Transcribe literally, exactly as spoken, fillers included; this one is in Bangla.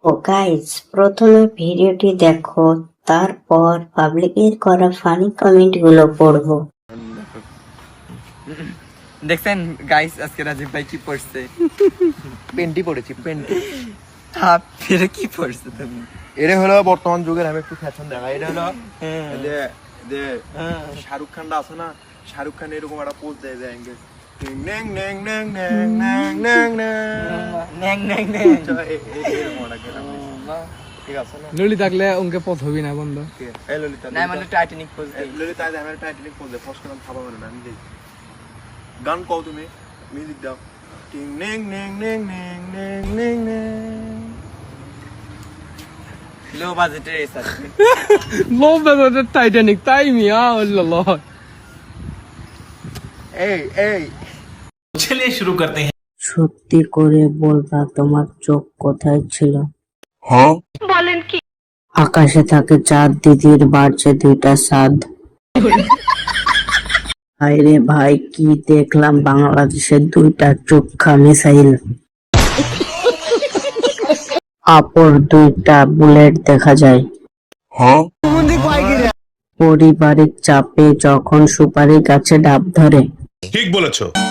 ও গাইস, প্রথমে ভিডিওটি দেখো, তারপর পাবলিকের করা ফানি কমেন্ট গুলো পড়বো। দেখছেন গাইস, আজকে রাজীব ভাই কি পড়ছে? পেন্টি পড়েছি পেন্টি। হ্যাঁ, ফিরে কি পড়ছে তুমি? এটা হলো বর্তমান যুগের, আমি একটু ফ্যাশন দেখা। এটা হলো যে যে শাহরুখ খানটা আছে না, শাহরুখ খান এরকম একটা পোজ দেয় যে অ্যাঙ্গেল ন্যাং ন্যাং ন্যাং ন্যাং ন্যাং ন্যাং ন্যাং ন্যাং ন্যাং। ঠিক আছে না? ললি থাকলে উনকে পথ হবি না বন্ধ। এই ললিতা না মানে টাইটানিক পোজ দেই। ললিতা আজ আমার টাইটানিক পোজ দেয়, ফস্ট নাম খাবা মানে না আমি দেই। গান কও তুমি, মিউজিক দাও। টিং ন্যাং ন্যাং ন্যাং ন্যাং ন্যাং ন্যাং ন্যাং। লো বাজেটের এসা। লো বাজেটের টাইটানিক তাই মিয়া আল্লাহ। এই এই चलिए शुरू करते हैं। সত্যি করে বলবা, তোমার চোখ কোথায় ছিল? বলেন কি? আকাশে থাকে চাঁদ, দিদির বাড়ছে দুইটা সাদ। হায়রে ভাই, কি দেখলাম, বাংলাদেশের দুইটা চোখা মিসাইল, অপর দুইটা বুলেট দেখা যায়। পারিবারিক চাপে যখন সুপারি গাছে ডাব ধরে। ঠিক বলেছো।